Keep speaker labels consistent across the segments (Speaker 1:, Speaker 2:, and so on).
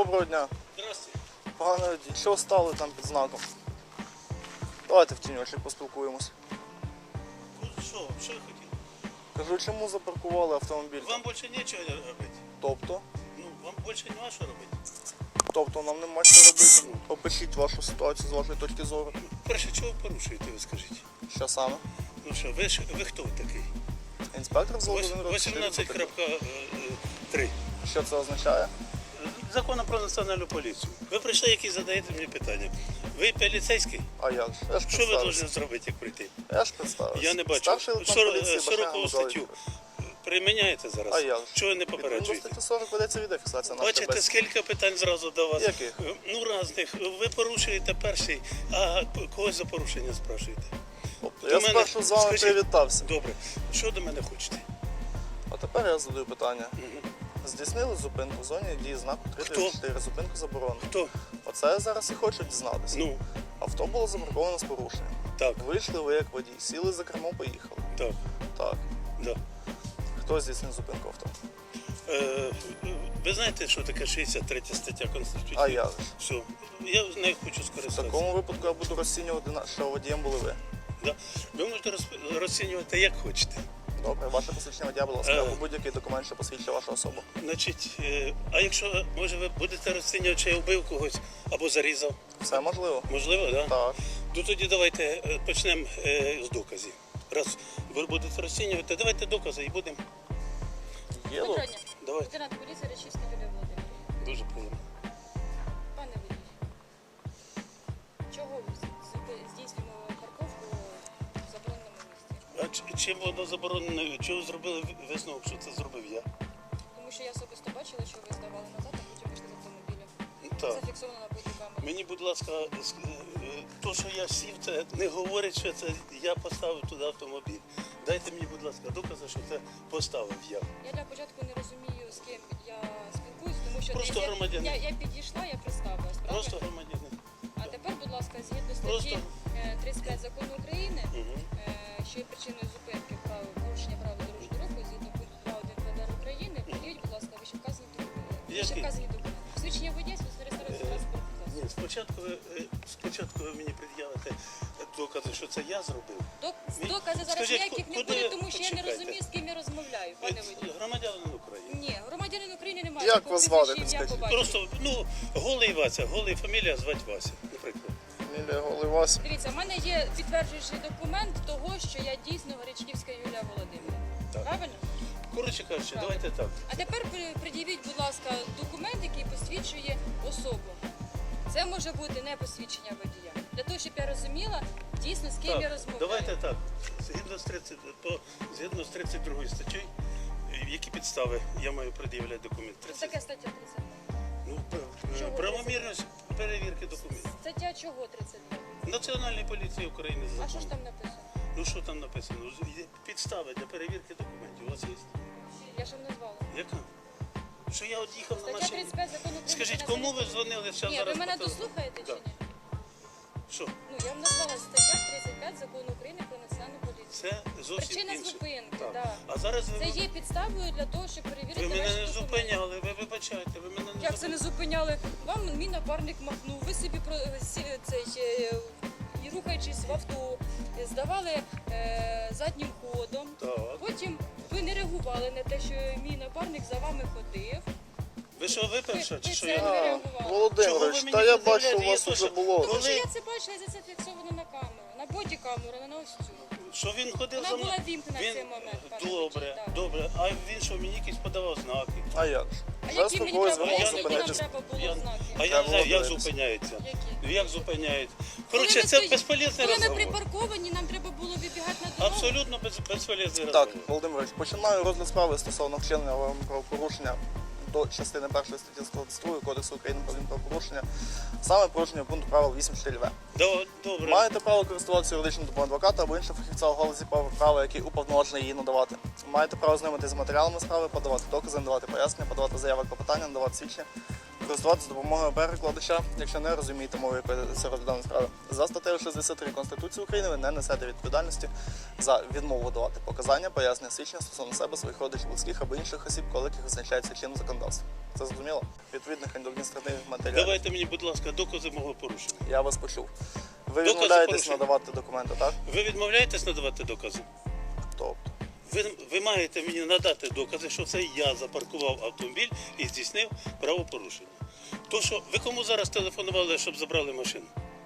Speaker 1: Доброго дня.
Speaker 2: Здравствуйте.
Speaker 1: Погано, що стали там під знаком? Давайте в тіньочок поспілкуємось.
Speaker 2: Ну що ви хотіли?
Speaker 1: Кажу, чому запаркували автомобіль?
Speaker 2: Вам більше нічого робити.
Speaker 1: Тобто?
Speaker 2: Ну, вам більше нема що робити.
Speaker 1: Тобто нам нема що робити. Опишіть вашу ситуацію з вашої точки зору.
Speaker 2: Перше, чого ви порушуєте, ви скажіть?
Speaker 1: Що саме?
Speaker 2: Ну що, ви хто такий?
Speaker 1: Інспектор взводу 1
Speaker 2: 18.3.
Speaker 1: Що це означає?
Speaker 2: Закону про національну поліцію. Ви прийшли, які задаєте мені питання. Ви поліцейський?
Speaker 1: А як же? Я ж
Speaker 2: Що ви
Speaker 1: представився.
Speaker 2: повинні зробити, як прийти?
Speaker 1: Я ж представився.
Speaker 2: Я не бачу.
Speaker 1: Старший лейтенант поліції Башняга
Speaker 2: 40
Speaker 1: Михайло
Speaker 2: статтю
Speaker 1: Вікторович.
Speaker 2: приміняєте зараз?
Speaker 1: А як же?
Speaker 2: Чого ви не
Speaker 1: Відповідно до
Speaker 2: попереджуєте?
Speaker 1: статті 40 ведеться відеофіксація нашої
Speaker 2: Бачите,
Speaker 1: бесіди.
Speaker 2: скільки питань зразу до вас?
Speaker 1: Яких?
Speaker 2: Ну, різних. Ви порушуєте перший, а когось за порушення спрашуєте.
Speaker 1: Тобто,
Speaker 2: До
Speaker 1: я
Speaker 2: мене-
Speaker 1: спершу з вами
Speaker 2: скажіть-
Speaker 1: привітався.
Speaker 2: Добре. Що до мене хочете?
Speaker 1: А тепер я задаю питання. Здійснили зупинку в зоні дії знаку 334. Зупинку заборонено.
Speaker 2: Хто?
Speaker 1: Оце я зараз і хочу дізнатися.
Speaker 2: Ну,
Speaker 1: Авто було запарковано з порушенням.
Speaker 2: так,
Speaker 1: Вийшли ви як водій, сіли за кермо, поїхали.
Speaker 2: так,
Speaker 1: Так.
Speaker 2: да.
Speaker 1: Хто здійснив зупинку авто?
Speaker 2: Ви знаєте, що таке 63 стаття Конституції?
Speaker 1: А я ж.
Speaker 2: Все. Я з нею хочу
Speaker 1: В
Speaker 2: скористатися.
Speaker 1: такому випадку я буду розцінювати, що водієм були ви.
Speaker 2: Да. Ви можете розцінювати як хочете.
Speaker 1: Добре, ваше посвідчення водія, будь ласка,
Speaker 2: Е.
Speaker 1: або будь-який документ, що посвідчує вашу особу.
Speaker 2: Значить, а якщо, може, ви будете розцінювати, чи я вбив когось або зарізав?
Speaker 1: Все можливо?
Speaker 2: Можливо, так? Да?
Speaker 1: Так.
Speaker 2: Ну тоді давайте почнемо з доказів. Раз ви будете розцінювати, давайте докази і будемо.
Speaker 1: Є
Speaker 3: Доброго дня.
Speaker 2: Давайте.
Speaker 3: Лейтенант поліції Речівська Юлія Володимирівна.
Speaker 2: Дуже приємно.
Speaker 3: Пане водій, чого ви здійснюємо парковку в забороненому місці?
Speaker 2: А чим воно заборонено? Чого зробили висновок, що це зробив я?
Speaker 3: Тому що я особисто бачила, що ви здавали назад, а потім вийшли з автомобіля.
Speaker 2: Так.
Speaker 3: Зафіксовано на бодікамері.
Speaker 2: Мені, будь ласка, то, що я сів, це не говорить, що це я поставив туди автомобіль. Дайте мені, будь ласка, докази, що це поставив я.
Speaker 3: Я для початку не розумію, з ким я спілкуюсь, тому що
Speaker 2: Просто
Speaker 3: я,
Speaker 2: громадянин.
Speaker 3: я підійшла, я представилась, правильно?
Speaker 2: Просто громадянин.
Speaker 3: А тепер, будь ласка, згідно
Speaker 2: Просто-
Speaker 3: статті 35 закону України,
Speaker 2: Угу.
Speaker 3: що є причиною зупинки порушення правил дорожнього руху, згідно пункту 2.1 ПДР України, пред'явіть, будь ласка, вищевказані документи. Свідчення водія, свідчення реєстрації транспорту.
Speaker 2: Ні, спочатку ви мені пред'явите докази, що це я зробив.
Speaker 3: Докази зараз
Speaker 2: Скажіть,
Speaker 3: ніяких не
Speaker 2: куди-
Speaker 3: буде, тому що я не
Speaker 2: почекайте.
Speaker 3: розумію, з ким я розмовляю, пане водій.
Speaker 2: Громадянин України.
Speaker 3: Ні, громадянин України немає.
Speaker 1: Як
Speaker 3: такого
Speaker 1: вас звати,
Speaker 3: прізвища, ім'я,
Speaker 1: підскажіть?
Speaker 3: по батькові.
Speaker 2: Просто, голий Вася, голий фамілія звати Вася, наприклад.
Speaker 1: Мілія Голивась.
Speaker 3: Дивіться, в мене є підтверджуючий документ того, що я дійсно Горячківська Юлія Володимирівна.
Speaker 2: Так.
Speaker 3: Правильно?
Speaker 2: Коротше кажучи,
Speaker 3: Правильно.
Speaker 2: давайте так.
Speaker 3: А тепер пред'явіть, будь ласка, документ, який посвідчує особу. Це може бути не посвідчення водія. Для того, щоб я розуміла дійсно, з ким я розмовляю.
Speaker 2: Давайте так. Згідно з 32 статтею, які підстави я маю пред'являти документ?
Speaker 3: Це таке стаття 32.
Speaker 2: Ну,
Speaker 3: Чого
Speaker 2: правомірність перевірки документів.
Speaker 3: Стаття чого 32?
Speaker 2: Національної поліції України за
Speaker 3: А що ж
Speaker 2: законом.
Speaker 3: там написано?
Speaker 2: Ну що там написано? Є підстави для перевірки документів. У вас є?
Speaker 3: Я ж вам назвала.
Speaker 2: Яка? Що я от їхав на
Speaker 3: Стаття
Speaker 2: машині?
Speaker 3: 35 закону України.
Speaker 2: Скажіть,
Speaker 3: про
Speaker 2: кому ви
Speaker 3: національну
Speaker 2: дзвонили зараз?
Speaker 3: Ні, ви мене дослухаєте чи
Speaker 2: Так.
Speaker 3: ні?
Speaker 2: Що?
Speaker 3: Ну, я вам назвала стаття 35 закону України про національну поліцію.
Speaker 2: Це зовсім
Speaker 3: Причина
Speaker 2: інше.
Speaker 3: зупинки,
Speaker 2: Так.
Speaker 3: да.
Speaker 2: А зараз
Speaker 3: Це є підставою для того, щоб перевірити
Speaker 2: ви мене
Speaker 3: ваші
Speaker 2: не
Speaker 3: документи.
Speaker 2: зупиняли, ви вибачайте, ви мене не
Speaker 3: Як це не зупиняли? Вам мій напарник махнув, ви собі і рухаючись в авто, здавали заднім ходом.
Speaker 2: Так.
Speaker 3: Потім ви не реагували на те, що мій напарник за вами ходив.
Speaker 2: Ви що, виперша, чи
Speaker 3: Ви
Speaker 2: що
Speaker 3: це
Speaker 2: я?
Speaker 3: не
Speaker 1: А,
Speaker 3: реагували.
Speaker 2: Чого
Speaker 1: Володимирович,
Speaker 2: ви мені
Speaker 1: та я
Speaker 2: пред'являєте?
Speaker 1: бачу, у
Speaker 2: Є
Speaker 1: вас
Speaker 2: то,
Speaker 1: вже
Speaker 2: що-
Speaker 1: було.
Speaker 3: Тому що
Speaker 2: Коли-
Speaker 3: я це бачила, і це зафіксовано на камеру, на бодікамеру, не на ось цю.
Speaker 2: Що він ходив
Speaker 3: Вона
Speaker 2: за мною?
Speaker 3: була вімкнена в цей момент, пане
Speaker 2: Добре,
Speaker 3: Вичій, так.
Speaker 2: добре. А він що, мені якісь подавав знаки?
Speaker 1: А як ж?
Speaker 3: А
Speaker 1: Вже
Speaker 3: які мені
Speaker 1: спокійно
Speaker 3: треба
Speaker 2: я
Speaker 3: було,
Speaker 1: звернувся,
Speaker 2: не
Speaker 3: які нам
Speaker 1: зупинитись.
Speaker 3: треба було
Speaker 2: Я-
Speaker 3: знаки?
Speaker 2: А я
Speaker 1: Треба
Speaker 2: не знаю, як
Speaker 1: дивитися.
Speaker 2: зупиняється.
Speaker 3: Які?
Speaker 2: Як зупиняють?
Speaker 3: Коли
Speaker 2: Коротше,
Speaker 3: ми
Speaker 2: це
Speaker 3: стоїмо-
Speaker 2: безполезний
Speaker 3: Коли ми
Speaker 2: розговор.
Speaker 3: припарковані, нам треба було вибігати на дорогу.
Speaker 2: Абсолютно безполезний
Speaker 1: Так,
Speaker 2: розговор.
Speaker 1: Володимирович, починаю розгляд справи стосовно вчинення вами правопорушення до частини 1 статті 122 Кодексу України про адмінправопорушення, саме порушення пункту правил 8.4в.
Speaker 2: Добре.
Speaker 1: Маєте право користуватися юридичним допомогою адвоката або іншого фахівця у галузі права, який уповноважений її надавати. Маєте право знайомитися з матеріалами справи, подавати докази, надавати пояснення, подавати заяви клопотання, надавати свідчення, користуватися допомогою перекладача, якщо не розумієте мови, якої це розгляданої справи. За статтею 63 Конституції України ви не несете відповідальності за відмову давати показання, пояснення, свідчення стосовно себе, своїх родичів, близьких або інших осіб, коли яких визначається чинним законодавством. Це зрозуміло? Відповідних адміністративних матеріалів.
Speaker 2: Давайте мені, будь ласка, докази мого порушення.
Speaker 1: Я вас почув. Ви
Speaker 2: Докази
Speaker 1: відмовляєтесь
Speaker 2: порушення.
Speaker 1: надавати документи, так?
Speaker 2: Ви відмовляєтесь надавати докази?
Speaker 1: Тобто.
Speaker 2: Ви маєте мені надати докази, що це я запаркував автомобіль і здійснив правопорушення. То що, ви кому зараз телефонували, щоб забрали машину?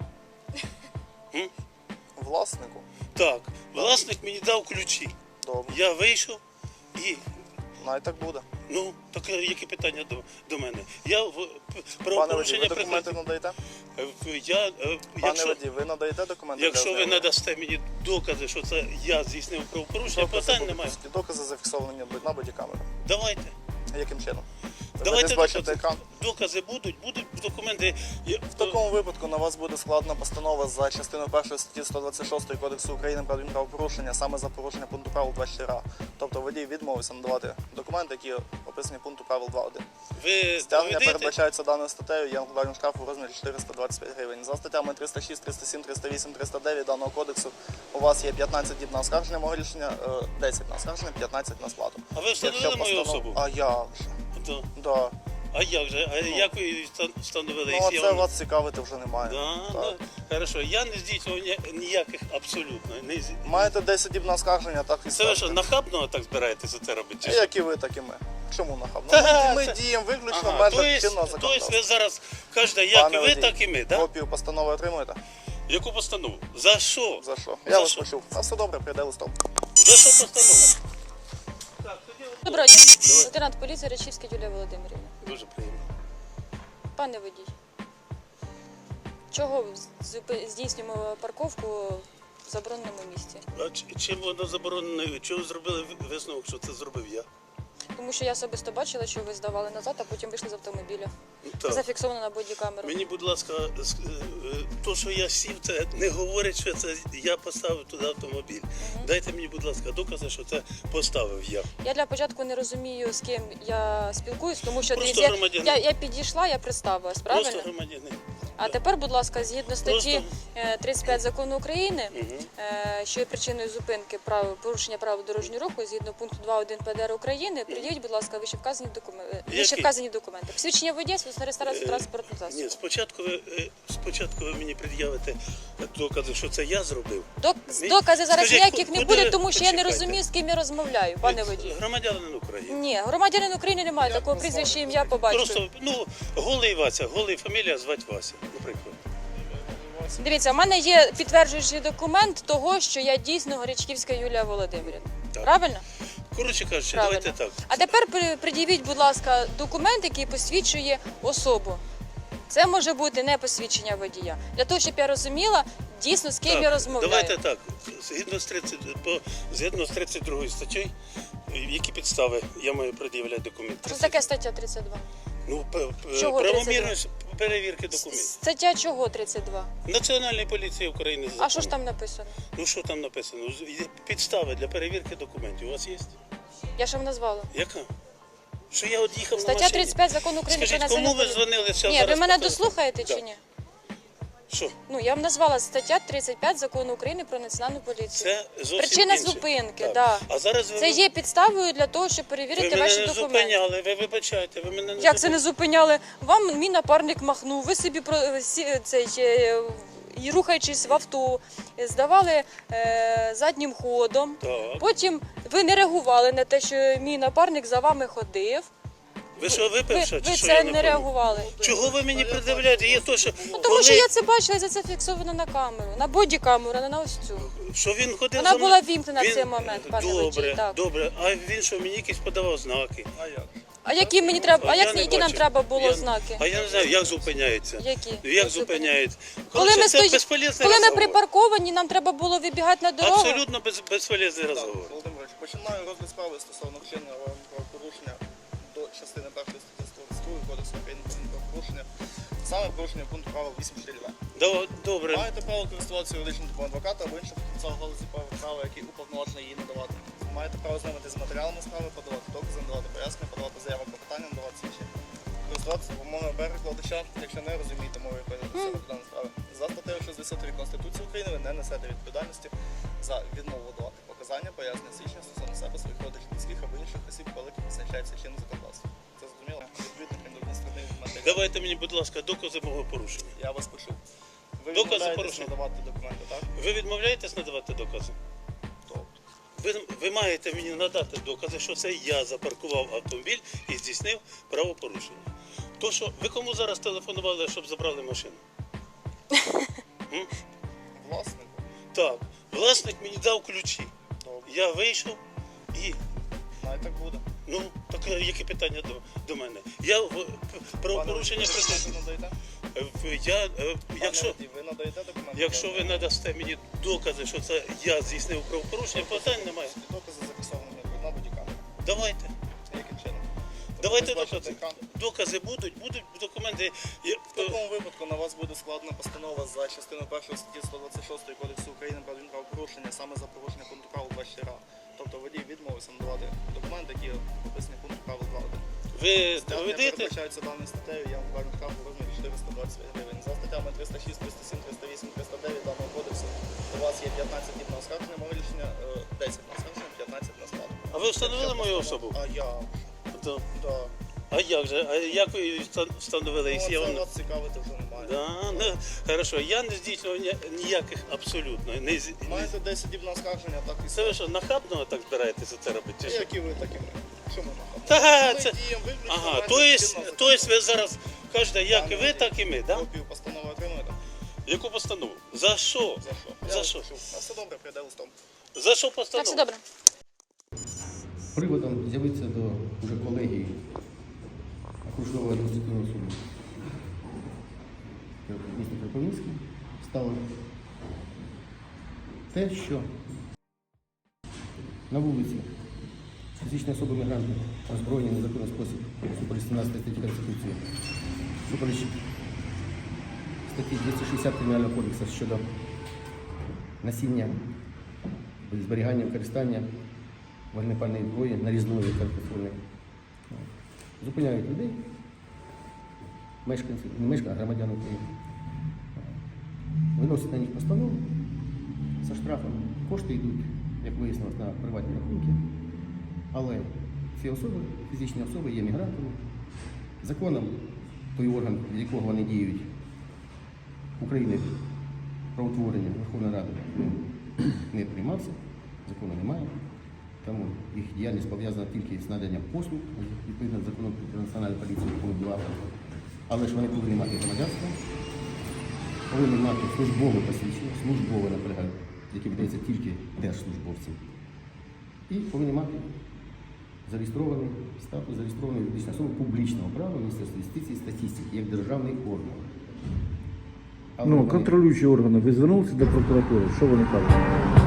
Speaker 1: Власнику?
Speaker 2: Так, власник мені дав ключі.
Speaker 1: Добре.
Speaker 2: Я вийшов і,
Speaker 1: Най так буде.
Speaker 2: ну, так які питання до мене? Я в
Speaker 1: Пане водій,
Speaker 2: правопорушення
Speaker 1: ви документи надаєте? Пане водій, ви надаєте документи?
Speaker 2: Якщо
Speaker 1: для
Speaker 2: ви
Speaker 1: ознайомлення?
Speaker 2: надасте мені докази, що це я здійснив правопорушення, питань немає.
Speaker 1: Докази зафіксовані на бодікамеру.
Speaker 2: Давайте.
Speaker 1: Яким чином? Ви
Speaker 2: Давайте
Speaker 1: десь бачите
Speaker 2: докази.
Speaker 1: екран?
Speaker 2: Докази будуть документи.
Speaker 1: В такому випадку на вас буде складена постанова за частиною 1 статті 126 Кодексу України про адмінправопорушення саме за порушення пункту правил 24а. Тобто водій відмовився надавати документи, які описані в пункту правил 2.1.
Speaker 2: Ви
Speaker 1: Стягнення
Speaker 2: доведете?
Speaker 1: передбачається даною статтею, є накладання штрафу у розмірі 425 гривень. За статтями 306, 307, 308, 309 даного кодексу у вас є 15 діб на оскарження мого рішення, 10 на оскарження, 15 на сплату.
Speaker 2: А ви встановили
Speaker 1: Якщо
Speaker 2: мою
Speaker 1: постанова-
Speaker 2: особу?
Speaker 1: А як же?
Speaker 2: Да.
Speaker 1: Да.
Speaker 2: А як же? А як ви її встановили?
Speaker 1: Ну,
Speaker 2: Якщо
Speaker 1: а
Speaker 2: я
Speaker 1: це
Speaker 2: вам-
Speaker 1: вас цікавити вже немає.
Speaker 2: Да,
Speaker 1: Так.
Speaker 2: да. Хорошо, я не здійснював ніяких абсолютно.
Speaker 1: Маєте 10 діб на оскарження, так і
Speaker 2: Це ви що,
Speaker 1: ставте.
Speaker 2: нахабно так збираєтеся це робити? чи що?
Speaker 1: Як і ви, так і ми. Чому нахабно?
Speaker 2: Та,
Speaker 1: Ми
Speaker 2: це-
Speaker 1: діємо виключно в
Speaker 2: Ага,
Speaker 1: межах чинного
Speaker 2: тобто
Speaker 1: законодавства.
Speaker 2: ви зараз кажете, як
Speaker 1: Пане
Speaker 2: і ви,
Speaker 1: водій,
Speaker 2: так і ми, так?
Speaker 1: Копію постанови отримуєте?
Speaker 2: Яку постанову? За що?
Speaker 1: За що?
Speaker 2: За
Speaker 1: Я вас
Speaker 2: що?
Speaker 1: почув. А все добре, прийде листом.
Speaker 2: За що постанова? Так, тоді
Speaker 3: Доброго дня. Лейтенант поліції Речівська Юлія Володимирівна.
Speaker 2: дуже приємно.
Speaker 3: Пане водій, чого здійснюємо парковку в забороненому місці?
Speaker 2: А чим воно заборонено? Чого зробили висновок, що це зробив я?
Speaker 3: Тому що я особисто бачила, що ви здавали назад, а потім вийшли з автомобіля.
Speaker 2: Ну,
Speaker 3: Це
Speaker 2: так.
Speaker 3: зафіксовано на бодікамеру.
Speaker 2: Мені, будь ласка, то, що я сів, це не говорить, що це я поставив туди автомобіль. Дайте мені, будь ласка, докази, що це поставив я.
Speaker 3: Я для початку не розумію, з ким я спілкуюсь, тому що
Speaker 2: Просто
Speaker 3: дивіться,
Speaker 2: громадянин.
Speaker 3: я підійшла, я представилась, правильно?
Speaker 2: Просто громадянин.
Speaker 3: А тепер, будь ласка, згідно статті
Speaker 2: Просто-
Speaker 3: 35 закону України, що є причиною зупинки порушення правил дорожнього руху, згідно пункту 2.1 ПДР України, пред'явіть, будь ласка, вищевказані документи. Посвідчення водія, свідоцтво реєстрацію транспортного засобу.
Speaker 2: Ні, спочатку ви мені пред'явите докази, що це я зробив.
Speaker 3: Доказів зараз
Speaker 2: Скажіть,
Speaker 3: ніяких не
Speaker 2: куди-
Speaker 3: буде, тому що я не
Speaker 2: почекайте.
Speaker 3: розумію, з ким я розмовляю, пане водій.
Speaker 2: Громадянин України.
Speaker 3: Ні, громадянин України немає такого прізвища, ім'я по батькові.
Speaker 2: Просто, голий Вася, голий фамілія звати Вася, наприклад.
Speaker 3: Дивіться, в мене є підтверджуючий документ того, що я дійсно Горячківська Юлія Володимирівна.
Speaker 2: Так.
Speaker 3: Правильно?
Speaker 2: Коротше кажучи,
Speaker 3: Правильно.
Speaker 2: давайте так.
Speaker 3: А тепер пред'явіть, будь ласка, документ, який посвідчує особу. Це може бути не посвідчення водія. Для того, щоб я розуміла дійсно, з ким
Speaker 2: Так,
Speaker 3: я розмовляю.
Speaker 2: Давайте так. Згідно з 32 статтею, які підстави я маю пред'являти документи?
Speaker 3: Що таке стаття 32?
Speaker 2: Ну,
Speaker 3: Чого
Speaker 2: правомірність перевірки документів.
Speaker 3: Стаття чого 32?
Speaker 2: Національної поліції України.
Speaker 3: А
Speaker 2: закон.
Speaker 3: що ж там написано?
Speaker 2: Ну що там написано? Підстави для перевірки документів у вас є?
Speaker 3: Я ж вам назвала.
Speaker 2: Яка? Що я от їхав на
Speaker 3: Стаття
Speaker 2: машині?
Speaker 3: 35 закону України
Speaker 2: Скажіть,
Speaker 3: про
Speaker 2: кому ви
Speaker 3: національну
Speaker 2: дзвонили зараз?
Speaker 3: Ні, ви мене
Speaker 2: по телефону?
Speaker 3: дослухаєте
Speaker 2: Да.
Speaker 3: чи ні?
Speaker 2: Що?
Speaker 3: Ну, я вам назвала стаття 35 закону України про національну поліцію.
Speaker 2: Це зовсім
Speaker 3: Причина
Speaker 2: інше.
Speaker 3: зупинки,
Speaker 2: Так.
Speaker 3: да.
Speaker 2: А зараз ви,
Speaker 3: Це є підставою для того, щоб
Speaker 2: ви
Speaker 3: перевірити
Speaker 2: мене
Speaker 3: ваші
Speaker 2: не
Speaker 3: документи.
Speaker 2: зупиняли, ви вибачаєте, ви мене не
Speaker 3: Як це не зупиняли? Вам мій напарник махнув, ви собі і рухаючись в авто, здавали заднім ходом.
Speaker 2: Так.
Speaker 3: Потім ви не реагували на те, що мій напарник за вами ходив.
Speaker 2: Ви що, випивши?
Speaker 3: Ви
Speaker 2: чи що,
Speaker 3: це
Speaker 2: я
Speaker 3: не
Speaker 2: пам'ятаю?
Speaker 3: реагували.
Speaker 2: Чого ви мені пред'являєте? Є то, що,
Speaker 3: Ну, тому що я це бачила, і це фіксовано на камеру, на бодікамеру, а не на ось цю.
Speaker 2: що він ходив
Speaker 3: Вона
Speaker 2: за мною?
Speaker 3: була вімкнена в
Speaker 2: Він-
Speaker 3: цей момент, пане
Speaker 2: Добре,
Speaker 3: водій, так.
Speaker 2: добре. А він що, мені якісь подавав знаки?
Speaker 1: А як?
Speaker 3: А які мені треба,
Speaker 2: Я не
Speaker 3: які нам
Speaker 2: бачив.
Speaker 3: треба було
Speaker 2: Я-
Speaker 3: знаки?
Speaker 2: А я не знаю, як зупиняється.
Speaker 3: Які?
Speaker 2: Як зупиняється?
Speaker 3: Коли
Speaker 2: Коротше,
Speaker 3: ми,
Speaker 2: це безполезний
Speaker 3: коли ми
Speaker 2: розговор.
Speaker 3: припарковані, нам треба було вибігати на дорогу.
Speaker 2: Абсолютно безполезний
Speaker 1: Так,
Speaker 2: розговор.
Speaker 1: Володимирович, починаю розгляд справи стосовно вчинення правопорушення до частини 1 статті 122 Кодексу України про правопорушення, саме порушення пункту правил 8.4.2.
Speaker 2: Добре.
Speaker 1: Маєте право користуватися юридичним допомогою адвоката або іншого фахівця у галузі права, який уповноважений її надавати. Маєте право знайомитися з матеріалами справи, подавати докази, надавати пояснення, подавати заяви про питання, надавати свідчення. Користуватися допомогою перекладача, якщо не розумієте мови, якої написано по даній справі. За статтею 63 Конституції України ви не несете відповідальності за відмову давати показання, пояснення, свідчення стосовно себе, своїх родичів, близьких або інших осіб, коли визначається чинне законодавство. Це зрозуміло? Відповідних
Speaker 2: Давайте мені, будь ласка, докази мого порушення.
Speaker 1: Я вас почув. Ви
Speaker 2: Докази
Speaker 1: відмовляєтесь
Speaker 2: порушення.
Speaker 1: надавати документи, так?
Speaker 2: Ви відмовляєтесь надавати докази?
Speaker 1: Тобто.
Speaker 2: Ви маєте мені надати докази, що це я запаркував автомобіль і здійснив правопорушення. То що, ви кому зараз телефонували, щоб забрали машину?
Speaker 1: Власнику.
Speaker 2: Так, власник мені дав ключі.
Speaker 1: Добре.
Speaker 2: Я вийшов і.
Speaker 1: Навіть так буде.
Speaker 2: Ну, так які питання до мене? Я правопорушення
Speaker 1: Пане водій, ви
Speaker 2: припинив.
Speaker 1: надаєте?
Speaker 2: Якщо,
Speaker 1: Пане водій, ви надаєте документи?
Speaker 2: якщо ви надасте мені докази, що це я здійснив правопорушення, питань немає.
Speaker 1: Докази зафіксовані на бодікамері.
Speaker 2: Давайте.
Speaker 1: Яким чином?
Speaker 2: Давайте
Speaker 1: Ви бачите
Speaker 2: докази.
Speaker 1: екран?
Speaker 2: Докази будуть документи.
Speaker 1: В такому випадку на вас буде складена постанова за частиною 1 статті 126 Кодексу України про адмінправопорушення саме за порушення пункту правил 24А. Тобто водій відмовився надавати документи, які описані в пункту правил 2.1.
Speaker 2: Ви
Speaker 1: Стягнення
Speaker 2: доведете?
Speaker 1: передбачається даною статтею, я вам кажу штраф у розмірі 420 гривень. За статтями 306, 307, 308, 309 даного кодексу у вас є 15 днів на оскарження, моє рішення 10 на оскарження, 15 на складу.
Speaker 2: А ви встановили мою особу?
Speaker 1: А я,
Speaker 2: Да.
Speaker 1: да.
Speaker 2: А як же? А як ви її встановили?
Speaker 1: Ну,
Speaker 2: Якщо я
Speaker 1: це
Speaker 2: вам...
Speaker 1: вас цікавити вже немає.
Speaker 2: Да, ну, хорошо, я не здійснював ніяких абсолютно.
Speaker 1: Маєте 10 днів на оскарження, так і
Speaker 2: Це ви що, нахабно так збираєтеся це робити? чи що?
Speaker 1: Як і ви, так і ми. Що ми махаємо?
Speaker 2: Та,
Speaker 1: Ми
Speaker 2: це...
Speaker 1: діємо виключно
Speaker 2: Ага,
Speaker 1: в межах чинного
Speaker 2: то есть ви зараз кажете, як і ви, так і ми, да?
Speaker 1: Копію постанови отримуєте?
Speaker 2: Яку постанову? За що?
Speaker 1: За що?
Speaker 2: За
Speaker 1: Я
Speaker 2: що?
Speaker 1: вас прошу. А все добре, прийде листом.
Speaker 2: За що
Speaker 3: Так,
Speaker 2: постанову?
Speaker 3: все добре.
Speaker 4: Приводом з'явиться до вже колегії окружного адміністративного суду міста Кропивницький стало те, що на вулиці фізичні особи-мігранти озброєні в незаконний спосіб супереч 17 статті Конституції, супереч статті 260 Кримінального кодексу щодо насіння, зберігання, використання вогнепальної зброї, нарізної картофельної. Зупиняють людей, мешканців, не мешканців, а громадян України. Виносять на них постанову за штрафом. Кошти йдуть, як вияснилось, на приватні рахунки. Але ці особи, фізичні особи, є мігрантами. Законом той орган, від якого вони діють, України про утворення Верховної Ради не приймався, закону немає. Тому їх діяльність пов'язана тільки з наданням послуг, відповідно до закону про національну поліцію, пункт 2. Але ж вони повинні мати громадянство, повинні мати службове посвідчення, службове, наполягаю, яке видається тільки держслужбовцям. І повинні мати зареєстрований статус, зареєстрований юридична особа публічного права Міністерства юстиції і статистики, як державний орган. Але
Speaker 5: Ну,
Speaker 4: вони-
Speaker 5: контролюючі органи, ви звернулися до прокуратури, що вони кажуть?